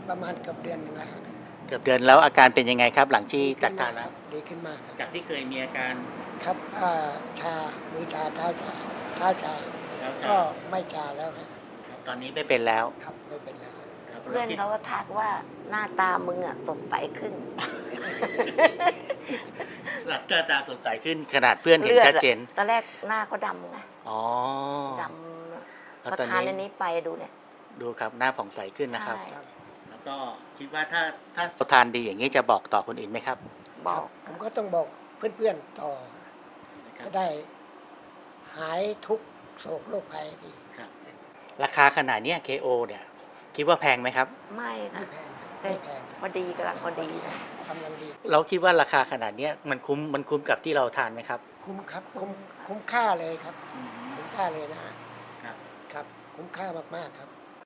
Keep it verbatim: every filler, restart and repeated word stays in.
ประมาณเกือบเดือนหนึ่งแล้วครับเกือบเดือนแล้วอาการเป็นยังไงครับ หลังที่จากทานแล้วดีขึ้นมากครับจากที่เคยมีอาการครับอ่าชามือชาเท้าชาเท้าชาแล้วก็ไม่ชาแล้วครับครับตอนนี้ไม่เป็นแล้วครับไม่เป็นแล้วครับครับเพื่อนเขาก็ทักว่าหน้าตามึงอ่ะสดใสขึ้นหลังตาตาสดใสขึ้นขนาดเพื่อนเห็นชัดเจนตอนแรกหน้าเขาดำไงอ๋อดแล้วำพอตอนทานนี้อันนี้ไปดูเนี่ยดูครับหน้าผ่องใสขึ้นนะครับใช่แล้วก็คิดว่าถ้าถ้าทานดีอย่างนี้จะบอกต่อคนอื่นไหมครับบอกผมก็ต้องบอกเพื่อนๆต่อนะครับจะได้หายทุกข์โศกโรคภัยที่ครับราคาขนาดเนี้ย เค โอ เนี่ยคิดว่าแพงไหมครับไม่ไม่ค่ะแพงเซ็ไม่ตแพงพอดีกำลังพอดีนะกำลังดีเราคิดว่าราคาขนาดเนี้ยมันคุ้มมันคุ้มกับที่เราทานไหมครับคุ้มครับคุ้มคุ้มค่าเลยครับ คุ้มค่าเลยนะฮะครับครับ คุ้มค่ามากๆครับ